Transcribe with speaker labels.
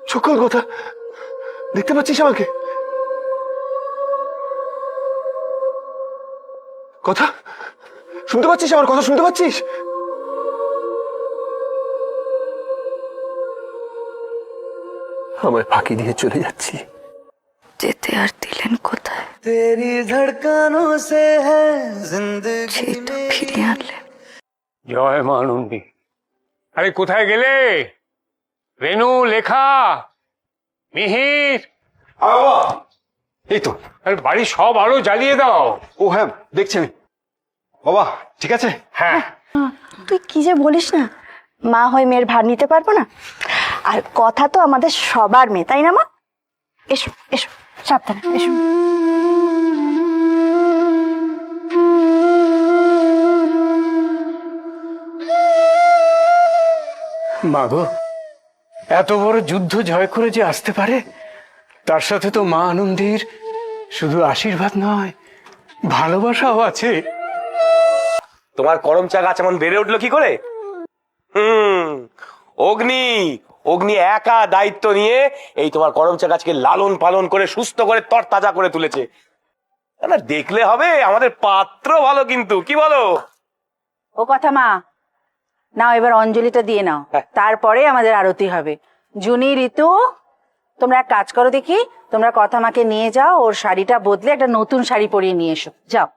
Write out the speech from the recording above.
Speaker 1: সকল কথা দেখতে পাচ্ছিস আমাকে? কথা শুনতে পাচ্ছিস? আমার কথা শুনতে পাচ্ছিস? আমায় ফাঁকি দিয়ে চলে যাচ্ছি।
Speaker 2: যেতে আর দিলেন কোথায়?
Speaker 3: तेरी धड़कनों से है जिंदगी
Speaker 2: সেই তো ফিরিয়ে আনলেন।
Speaker 4: জয় মা আনন্দী। আরে কোথায় গেলে? রেনু, লেখা, মিহির,
Speaker 1: এই তো।
Speaker 4: আরে বাড়ির সব আলো জ্বালিয়ে দাও।
Speaker 1: ও হ্যাঁ, দেখছি আমি। বাবা ঠিক আছে?
Speaker 4: হ্যাঁ।
Speaker 2: তুই কি যে বলিস না, মা হয়ে মেয়ের ভার নিতে পারবো না? আর কথা তো আমাদের সবার মেয়ে, তাই না মা? এসো এসো, সাবধানে এসো।
Speaker 5: মা গো, এত বড় যুদ্ধ জয় করে যে আসতে পারে, তার সাথে তো মা আনন্দীর শুধু আশীর্বাদ নয়, ভালোবাসাও আছে।
Speaker 6: তোমার করম চা গাছ এমন বেড়ে উঠলো কি করে? অগ্নি অগ্নি একা দায়িত্ব নিয়ে এই তোমার করম চা গাছকে লালন পালন করে সুস্থ করে তরতাজা করে তুলেছে। না দেখলে হবে, আমাদের পাত্র ভালো কিন্তু, কি বলো?
Speaker 7: ও কথা মা, নাও এবার অঞ্জলিটা দিয়ে নাও, তারপরে আমাদের আরতি হবে। জুনি, ঋতু, তোমরা এক কাজ করো দেখি, তোমরা কথা মাকে নিয়ে যাও, ওর শাড়িটা বদলে একটা নতুন শাড়ি পরিয়ে নিয়ে এসো, যাও।